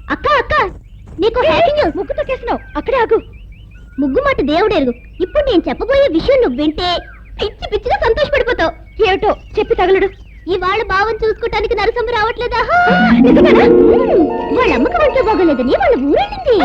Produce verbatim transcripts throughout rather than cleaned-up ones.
అక్క అక్క నీకు హ్యాకింగ్ ముగ్గు తొక్కేసినావు. అక్కడే ఆగు. ముగ్గు మాట దేవుడెరుగు. ఇప్పుడు నేను చెప్పబోయే విషయం నువ్వు వింటే పిచ్చి పిచ్చిగా సంతోషపడిపోతావు. ఏమిటో చెప్పి తగలడు. ఇవాళ బావని చూసుకోవటానికి నరసమ్మ రావట్లేదా? వాళ్ళ అమ్మకి వంట బాగోలేదని వాళ్ళ ఊరెళ్ళింది.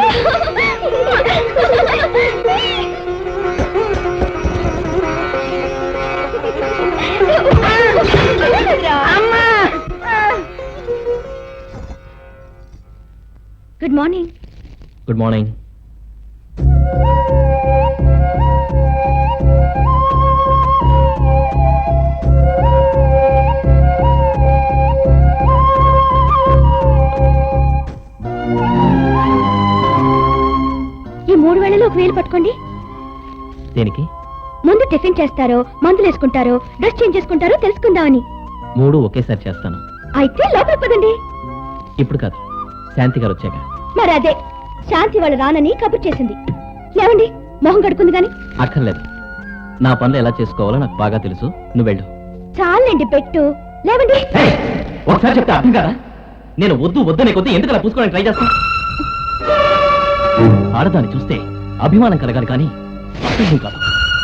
Good morning. Good morning. ఈ మూడు వేళలో ఒక వేలు పట్టుకోండి. దేనికి? ముందు టిఫిన్ చేస్తారో మందులు వేసుకుంటారో డ్రెస్ చేంజ్ చేసుకుంటారో తెలుసుకుందామని. మూడు ఒకేసారి చేస్తాను. అయితే లోపలికి పదండి. ఇప్పుడు కాదు, శాంతి గారు వచ్చాక. మరి అదే శాంతి వాళ్ళ రానని కబుర్ చేసింది. లేవండి, మొహం కడుకుంది గాని. అక్కర్లేదు, నా పనులు ఎలా చేసుకోవాలో నాకు బాగా తెలుసు. నువ్వు వెళ్ళు. చాలండి పెట్టు. లేవండి. ఒకసారి చెప్తే అర్థం కదా. నేను వద్దు వద్దనే కొద్ది ఎందుకు అలా పూసుకోవడానికి ట్రై చేస్తాను? ఆడదాన్ని చూస్తే అభిమానం కలగాలి కానీ అసహ్యం కాదు.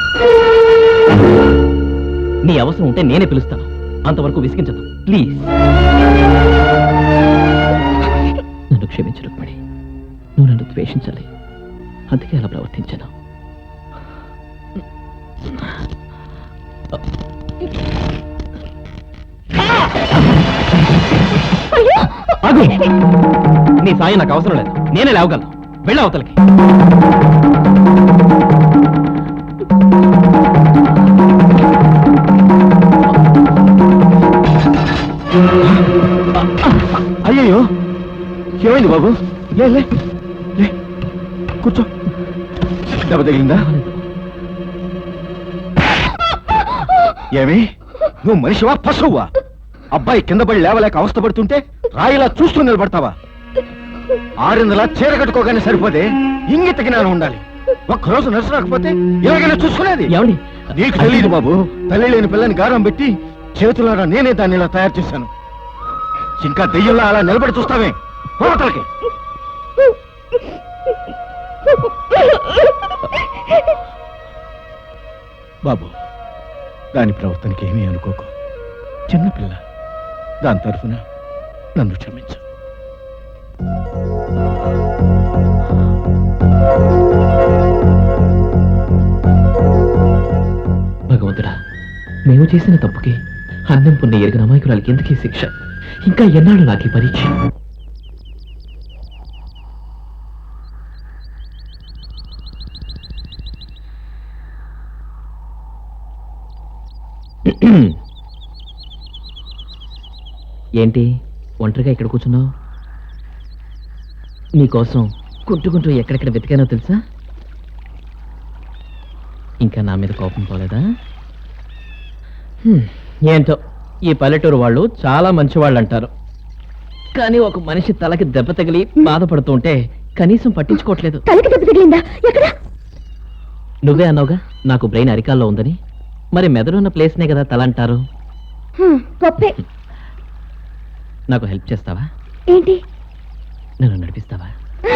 నీ అవసరం ఉంటే నేనే పిలుస్తాను. అంతవరకు విసిగించదు ప్లీజ్. నన్ను క్షమించు రుక్మిణి, నువ్వు నన్ను ద్వేషించాలి, అందుకే అలా ప్రవర్తించాను. నీ సాయం నాకు అవసరం లేదు, నేనే లేవగలను. వెళ్ళ అవతలకి. అయ్యయ్యో, ఏమైంది బాబు? లే లే లే, కూర్చో. దెబ్బ తగిలిందా? ఏమి నువ్వు మనిషివా పశువువా? అబ్బాయి కింద పడి లేవలేక అవస్థ పడుతుంటే రాయిలా చూస్తూ నిలబడతావా? ఆరిందలా చీర కట్టుకోగానే సరిపోతే ఇంగిత జ్ఞానం ఉండాలి. ఒక్కరోజు నర్సు రాకపోతే ఎలాగైనా చూసుకునేది. నీకు తెలియదు బాబు, తల్లి లేని పిల్లని గారం పెట్టి చేతులారా నేనే దాన్ని ఇలా తయారు చేశాను. ఇంకా దెయ్యంలా అలా నిలబడి చూస్తావే, పోవతలకి. బాబు, దాని ప్రవర్తనకి ఏమీ అనుకోకు. చిన్నపిల్ల, దాని తరఫున నన్ను క్షమించు. భగవంతుడా, మేము చేసిన తప్పుకి అన్నం పుణ్య ఎరిగిన అమాయకురాలకి ఎందుకీ శిక్ష? ఇంకా ఎన్నాళ్ళు నాకు పరీక్ష? ఏంటి ఒంటరిగా ఇక్కడ కూర్చున్నావు? నీకోసం కుంటుకుంటూ ఎక్కడెక్కడ వెతికానో తెలుసా? ఇంకా నా మీద కోపం పోలేదా? ఏంటో ఈ పల్లెటూరు వాళ్ళు చాలా మంచి వాళ్ళు అంటారు, కానీ ఒక మనిషి తలకి దెబ్బ తగిలి బాధపడుతుంటే కనీసం పట్టించుకోవట్లేదు. తలకి దెబ్బ తగిలిందా? ఎక్కడ? నువ్వే అన్నావుగా నాకు బ్రెయిన్ అరికాల్లో ఉందని. మరి మెదడున్న ప్లేస్నే కదా తల అంటారు. గొప్పే. నాకు హెల్ప్ చేస్తావా? ఏంటి? నన్ను నడిపిస్తావా?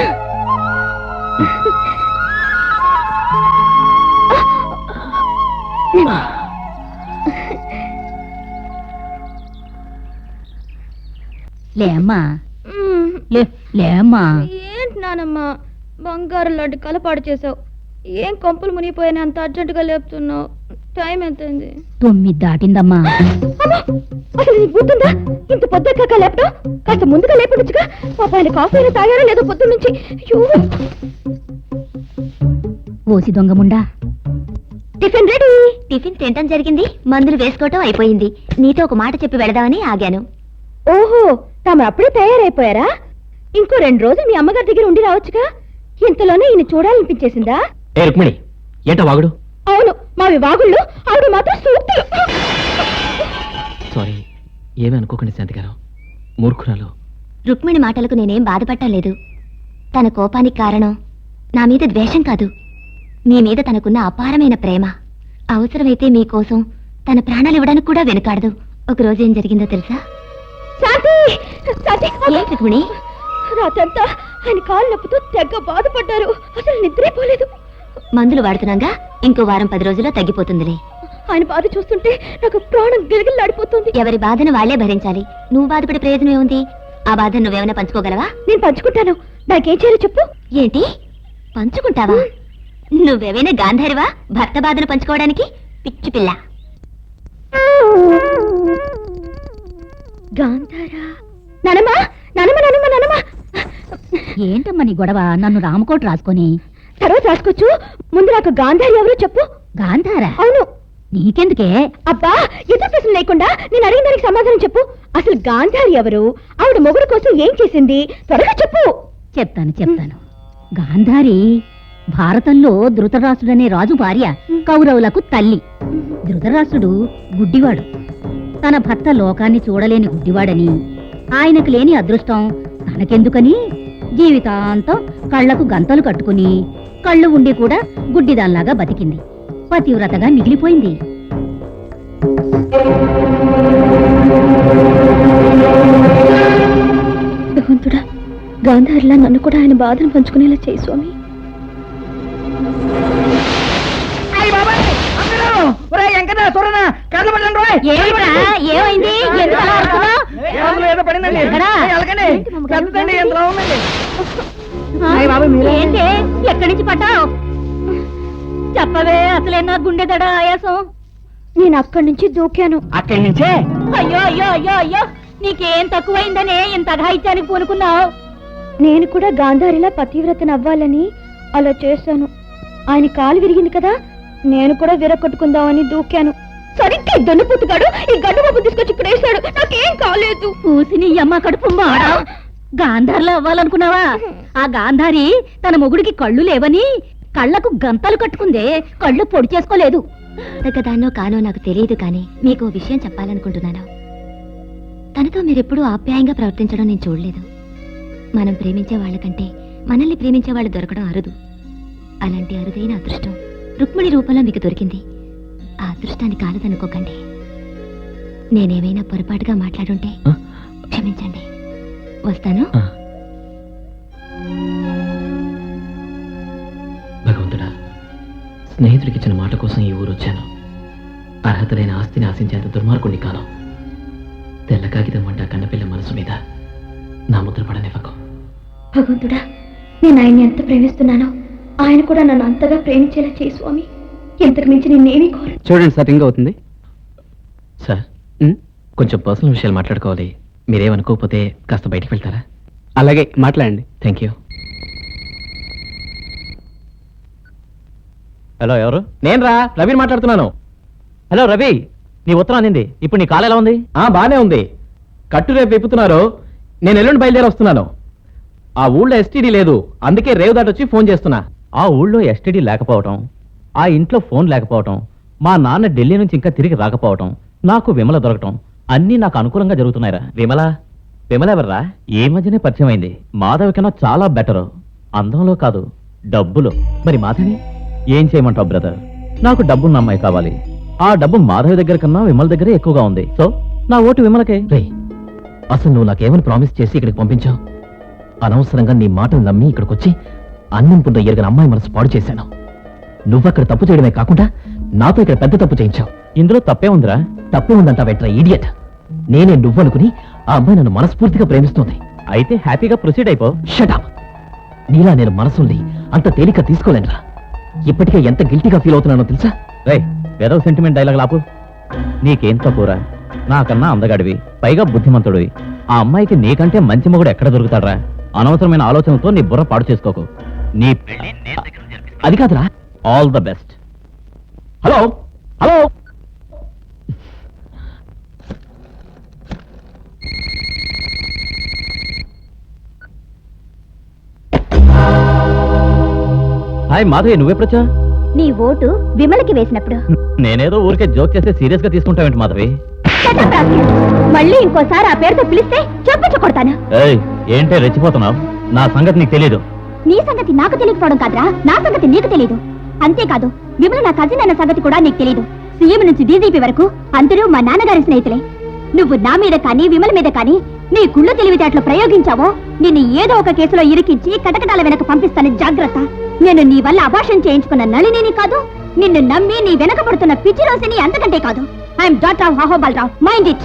లేమ్మా, లేమ్మా. ఏంటి నానమ్మా, బంగారు లాంటి కలపాడు చేసావు. ఏం కొంపలు మునిగిపోయినా అంత అర్జెంటుగా లేపుతున్నావు? టైం ఎంతైంది? తొమ్మిది దాటిందమ్మా. అసలు నీకు గుర్తుందా? ఇంత పొద్దుగా లేపడం కాస్త ముందుగా లేపడొచ్చుగా. పాప ఆయన కాఫీ అయినా తాగారా లేదో పొద్దు నుంచి. ఓసి దొంగముండా. Tiffin ready. టిఫిన్ తినటం జరిగింది, మందులు వేసుకోవటం అయిపోయింది. నీతో ఒక మాట చెప్పి వెళదామని ఆగాను. ఓహో, తాము అప్పుడే తయారైపోయారా? ఇంకో రెండు రోజులు మీ అమ్మగారి దగ్గర ఉండి రావచ్చుగా. ఇంతలోనే ఈయన చూడాలనిపించేసిందా? ఏ రుక్మిణి, ఏంటో వాగుడు? అవును, మావి వాగుళ్ళు, ఆవిడ మాత్రం సూక్తులు. సారీ, ఏమీ అనుకోకండి శాంతి గారు, మూర్ఖురాలు. రుక్మిణి మాటలకు నేనేం బాధపడటం. తన కోపానికి కారణం నా మీద ద్వేషం కాదు, మీ మీద తనకున్న అపారమైన ప్రేమ. అవసరమైతే మీకోసం తన ప్రాణాలు ఇవ్వడానికి కూడా వెనుకాడదు. ఒక రోజు ఏం జరిగిందో తెలుసా? రుక్మిణి, రాత్రంతా ఆయన కాలు నొప్పుతో తెగ బాధపడ్డారు. అసలు నిద్రే పోలేదు. మందులు వాడుతున్నాగా, ఇంకో వారం పది రోజుల్లో తగ్గిపోతుందిలే. ఆయన బాధ చూస్తుంటే నాకు ప్రాణం గిలగిల్లాడిపోతుంది. ఎవరి బాధను వాళ్లే భరించాలి. నువ్వు బాధపడే ప్రయోజనం ఏముంది? ఆ బాధను నువ్వేమైనా పంచుకోగలవా? నేను పంచుకుంటాను. నాకేం చేయాలో చెప్పు. ఏంటి పంచుకుంటావా? నువ్వేమైనా గాంధారివా భర్త బాధను పంచుకోవడానికి? పిచ్చి పిల్ల. గాంధారా? నానమ్మా, నానమ్మ, నానమ్మ, నానమ్మ. ఏంటమ్మా నీ గొడవ? నన్ను రామకోట రాసుకొని తర్వాత రాసుకోవచ్చు. ముందు నాకు గాంధారి ఎవరో చెప్పు. గాంధారా? అవును. నీకెందుకే? అబ్బా, ఎదురు ప్రశ్న లేకుండా నేను అడిగిన దానికి సమాధానం చెప్పు. అసలు గాంధారి ఎవరు? ఆవిడ మొగుడు కోసం ఏం చేసింది? త్వరగా చెప్పు. చెప్తాను చెప్తాను గాంధారి భారతంలో ధృతరాష్ట్రుడనే రాజు భార్య, కౌరవులకు తల్లి. ధృతరాష్ట్రుడు గుడ్డివాడు. తన భర్త లోకాన్ని చూడలేని గుడ్డివాడని, ఆయనకు లేని అదృష్టం తనకెందుకని జీవితాంతం కళ్లకు గంతలు కట్టుకుని, కళ్ళు ఉండి కూడా గుడ్డిదాల్లాగా బతికింది. పతివ్రతగా మిగిలిపోయింది. భగవంతుడా, గాంధారిలా నన్ను కూడా ఆయన బాధను పంచుకునేలా చేయి స్వామి. ఏమైంది? ఏంటి? ఎక్కడి నుంచి పట్టావు? చెప్పవే, అసలే నా గుండె దడ ఆయాసం. నేను అక్కడి నుంచి దూకాను. అక్కడి నుంచే? అయ్యో అయ్యో అయ్యో అయ్యో, నీకేం తక్కువైందనే ఇంత అఘాయిత్యానికి పూనుకున్నావు? నేను కూడా గాంధారిలా పతివ్రతను అవ్వాలని అలా చేశాను. ఆయన కాలు విరిగింది కదా, నేను కూడా విరగొట్టుకుందామని దూకాను. సరిగ్గా దొన్నుపుతుగాడు ఈ గడ్డు బాబు తీసుకొచ్చి ఇక్కడ వేశాడు. నాకేం కాలేదు. పూసిని అమ్మ కడుపు మాడ. గాంధారిలో అవ్వాలనుకున్నావా? ఆ గాంధారి తన మొగుడికి కళ్ళు లేవని కళ్ళకు గంతలు కట్టుకుందే, కళ్ళు పొడి చేసుకోలేదు. దాన్నో కానో నాకు తెలియదు, కానీ మీకు విషయం చెప్పాలనుకుంటున్నాను. తనతో మీరెప్పుడూ ఆప్యాయంగా ప్రవర్తించడం నేను చూడలేదు. మనం ప్రేమించే వాళ్ళకంటే మనల్ని ప్రేమించే వాళ్ళు దొరకడం అరుదు. అలాంటి అరుదైన అదృష్టం రుక్మిణి రూపంలో మీకు దొరికింది. ఆ అదృష్టాన్ని కాలదనుకోకండి. నేనేమైనా పొరపాటుగా మాట్లాడుంటే క్షమించండి. వస్తాను. భగవంతుడా, స్నేహితుడికి ఇచ్చిన మాట కోసం ఈ ఊరు వచ్చాను. అర్హత లేని ఆస్తిని ఆశించేంత దుర్మార్గుణ్ణి కాను. తెల్ల కాగితం వంట కన్నపిల్ల మనసు మీద నా ముద్ర పడనివ్వకు. భగవంతుడా, నేను ఆయన్ని ఎంత ప్రేమిస్తున్నానో ఆయన కూడా నన్ను అంతగా ప్రేమించేలా చేయి స్వామి. ఇంతకు మించి నేనేమీ కోరు. చూడండి సార్, రింగ్ అవుతుంది. సార్, కొంచెం పర్సనల్ విషయాలు మాట్లాడుకోవాలి. మీరేమనుకోకపోతే కాస్త బయటికి వెళ్తారా? అలాగే, మాట్లాడండి. Thank you. హలో, ఎవరు? నేను రా రవిని మాట్లాడుతున్నాను. హలో రవి, నీ ఉత్తరం అందింది. ఇప్పుడు నీ కాలు ఎలా ఉంది? ఆ బానే ఉంది. కట్టు రేపు విప్పుతున్నారు. నేను ఎల్లుండి బయలుదేరి వస్తున్నాను. ఆ ఊళ్ళో ఎస్టీడీ లేదు, అందుకే రేవు దాటొచ్చి ఫోన్ చేస్తున్నా. ఆ ఊళ్ళో ఎస్టీడీ లేకపోవటం, ఆ ఇంట్లో ఫోన్ లేకపోవటం, మా నాన్న ఢిల్లీ నుంచి ఇంకా తిరిగి రాకపోవటం, నాకు విమల దొరకటం అన్నీ నాకు అనుకూలంగా జరుగుతున్నాయిరా. విమల? విమల ఎవర్రా? ఈ మధ్యనే పరిచయం అయింది. మాధవి కన్నా చాలా బెటరు. అందంలో కాదు, డబ్బులో. మరి మాధవి? ఏం చేయమంటావు బ్రదర్? నాకు డబ్బున్న అమ్మాయి కావాలి. ఆ డబ్బు మాధవి దగ్గర కన్నా విమల దగ్గరే ఎక్కువగా ఉంది. సో నా ఓటు విమలకే. రేయ్, అసలు నువ్వు నాకేమని ప్రామిస్ చేసి ఇక్కడికి పంపించావు? అనవసరంగా నీ మాటలు నమ్మి ఇక్కడికి వచ్చి అన్నింపుందో ఎరగని అమ్మాయి మనసు పాడు చేశాను. నువ్వక్కడ తప్పు చేయడమే కాకుండా నాతో ఇక్కడ పెద్ద తప్పు చేయించావు. ఇందులో తప్పే ఉందిరా. తప్పే ఉందంటావేట్రా ఈడియట్? నేనే నువ్వనుకుని ఆ అమ్మాయి నన్ను మనస్ఫూర్తిగా ప్రేమిస్తుంది. అయితే హ్యాపీగా ప్రొసీడ్ అయిపో. షటప్. నీలా నేను మనసుల్ని అంత తేలిక తీసుకోలేనురా. ఇప్పటికే ఎంత గిల్టీగా ఫీల్ అవుతున్నానో తెలుసా? రే, ఏదో సెంటిమెంట్ డైలాగ్ లాపు. నీకేం తక్కువరా? నాకన్నా అందగాడివి, పైగా బుద్ధిమంతుడివి. ఆ అమ్మాయికి నీకంటే మంచి మొగుడు ఎక్కడ దొరుకుతాడ్రా? అనవసరమైన ఆలోచనతో నీ బుర్ర పాడు చేసుకోకు. నీ పెళ్లి నేను దగ్గర జరిపిస్తా. అది కాదురా. All the best. Hello hello hi Madhavi, నువ్వెప్పుడొచ్చా? నీ ఓటు విమలకి వేసినప్పుడు. నేనేదో ఊరికే జోక్ చేస్తే సీరియస్ గా తీసుకుంటావేంటి మాధవి? మళ్ళీ ఇంకోసారి ఆ పేరుతో పిలిస్తే చెప్పుచ్చు కొడతాను. ఏయ్, ఏంటే రెచ్చిపోతున్నావు? నా సంగతి నీకు తెలీదు. నీ సంగతి నాకు తెలియకపోవడం కాదురా, నా సంగతి నీకు తెలీదు. అంతేకాదు, విమల నా కజిన్ అన్న సంగతి కూడా నీకు తెలీదు. సీఎం నుంచి డీజీపీ వరకు అందరూ మా నాన్నగారి స్నేహితులే. నువ్వు నా మీద కానీ విమల మీద కానీ నీ కుళ్ళు తెలివితేటలు ప్రయోగించావో నిన్ను ఏదో ఒక కేసులో ఇరికించి కటకటాల వెనక పంపిస్తాను జాగ్రత్త. నేను నీ వల్ల అభాషణ చేయించుకున్న నళిని కాదు, నిన్ను నమ్మి నీ వెనక పడుతున్న పిచ్చి రోజుని అంతకంటే కాదు. I'm doctor of Ahobalarao, mind it.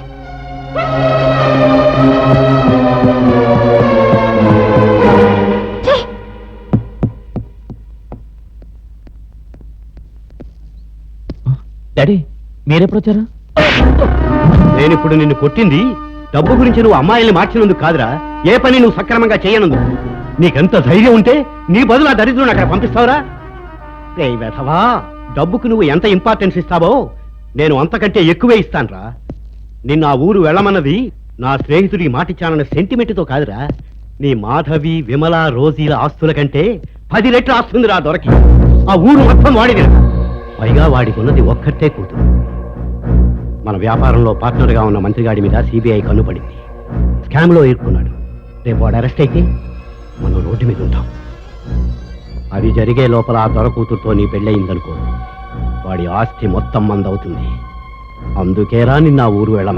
Daddy మీరెప్పుడు వచ్చారు? నేనిప్పుడు నిన్ను కొట్టింది డబ్బు గురించి నువ్వు అమ్మాయిల్ని మార్చినందుకు కాదురా, ఏ పని నువ్వు సక్రమంగా చేయనందుకు. నీకెంత ధైర్యం ఉంటే నీ బదులు ఆ దరిద్రుని అక్కడ పంపిస్తావురా? రే వెధవా, డబ్బుకు నువ్వు ఎంత ఇంపార్టెన్స్ ఇస్తావో నేను అంతకంటే ఎక్కువే ఇస్తానురా. నిన్ను ఆ ఊరు వెళ్ళమన్నది నా స్నేహితుడికి మాటిచ్చానన్న సెంటిమెంట్తో కాదురా, నీ మాధవి విమల రోజీల ఆస్తుల కంటే పది రెట్లు ఆస్తుందిరా దొరకి. ఆ ఊరు మొత్తం వాడిది, పైగా వాడికి ఉన్నది ఒక్కటే కూతురు. మన వ్యాపారంలో పార్ట్నర్గా ఉన్న మంత్రిగాడి మీద సిబిఐ కన్నుపడింది, స్కామ్ లో ఇరుక్కున్నాడు. రేపు వాడు అరెస్ట్ అయితే మనం రోడ్డు మీద ఉంటాం. అది జరిగే లోపల ఆ దొర కూతురుతో నీ పెళ్ళయిందనుకో, వాడి ఆస్తి మొత్తం మందవుతుంది. అందుకేరా నిన్న ఆ ఊరు వెళ్ళ